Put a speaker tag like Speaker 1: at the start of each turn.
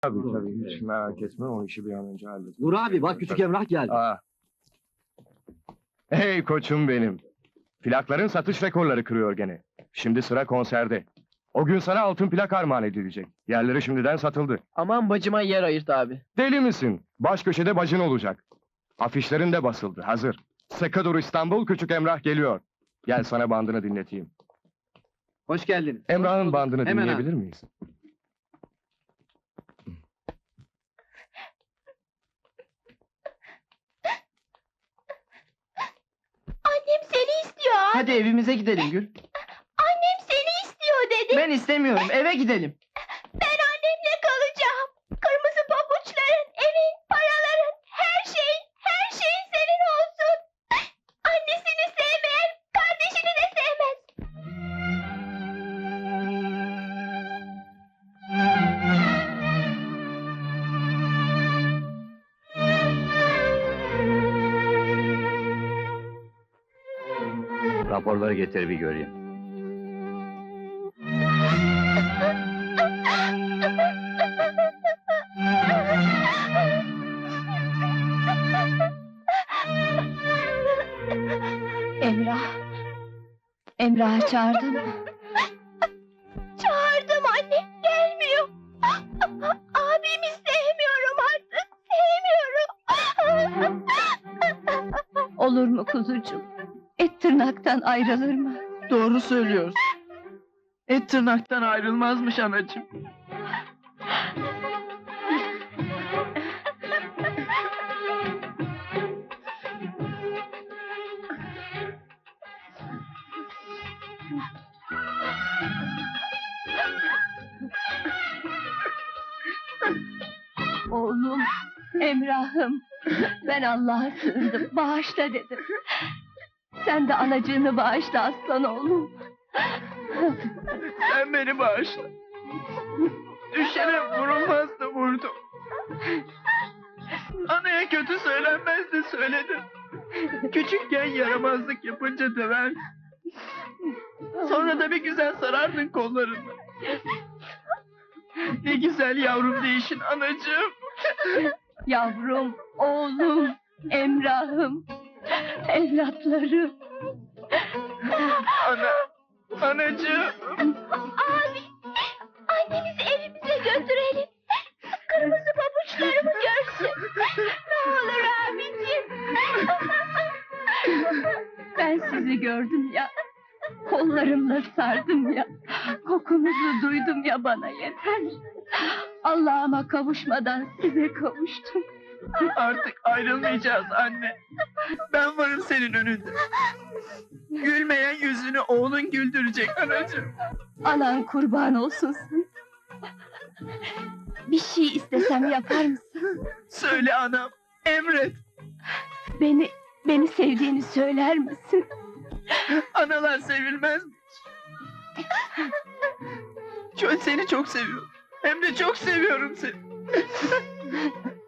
Speaker 1: Tabii, hiç merak etme, o işi bir an önce hallet.
Speaker 2: Nur abi bak küçük Emrah geldi.
Speaker 1: Hey koçum benim! Plakların satış rekorları kırıyor gene. Şimdi sıra konserde. O gün sana altın plak armağan edilecek. Yerleri şimdiden satıldı.
Speaker 3: Aman bacıma yer ayırt abi.
Speaker 1: Deli misin? Baş köşede bacın olacak. Afişlerin de basıldı, hazır. Sıkı dur İstanbul, küçük Emrah geliyor. Gel sana bandını dinleteyim.
Speaker 2: Hoş geldiniz.
Speaker 1: Emrah'ın bandını
Speaker 2: Hemen
Speaker 1: dinleyebilir miyiz?
Speaker 4: Annem seni istiyor abi.
Speaker 3: Hadi evimize gidelim Gül.
Speaker 4: Annem seni istiyor dedi.
Speaker 3: Ben istemiyorum, eve gidelim.
Speaker 4: Ben annemle kalacağım. Kırmızı pabuçların, evin, paraların, her şeyin senin olsun. Annesini sevmeyen, kardeşini de sevmez.
Speaker 2: Raporları getir bir göreyim.
Speaker 4: Emrah'ı çağırdın mı? Çağırdım anne, gelmiyor. Abimi sevmiyorum artık, sevmiyorum.
Speaker 5: Olur mu kuzucuğum? Et tırnaktan ayrılır mı?
Speaker 3: Doğru söylüyorsun. Et tırnaktan ayrılmazmış anacığım.
Speaker 5: Oğlum, Emrah'ım, ben Allah'a sığındım, bağışla dedim. Sen de anacığını bağışla aslan oğlum.
Speaker 3: Sen beni bağışla. Düşene vurulmaz da vurdum. Anaya kötü söylenmez de söyledim. Küçükken yaramazlık yapınca döver. Sonra da bir güzel sarardın kollarını. Ne güzel yavrum değişin anacığım.
Speaker 5: Yavrum, oğlum, Emrah'ım, evlatlarım.
Speaker 3: Anacığım.
Speaker 4: Abi, annemizi evimize götürelim. Kırmızı pabuçlarımı görsün. Ne olur abicim.
Speaker 5: Ben sizi gördüm ya, kollarımla sardım ya, kokunuzu duydum ya, bana yeter. Allah'ıma kavuşmadan size kavuştum.
Speaker 3: Artık ayrılmayacağız anne. Ben varım senin önünde. Gülmeyen yüzünü oğlun güldürecek anacığım.
Speaker 5: Anan kurban olsun sana. Bir şey istesem yapar mısın?
Speaker 3: Söyle anam, emret.
Speaker 5: Beni sevdiğini söyler misin?
Speaker 3: Analar sevilmez mi? Seni çok seviyorum. Hem de çok seviyorum seni.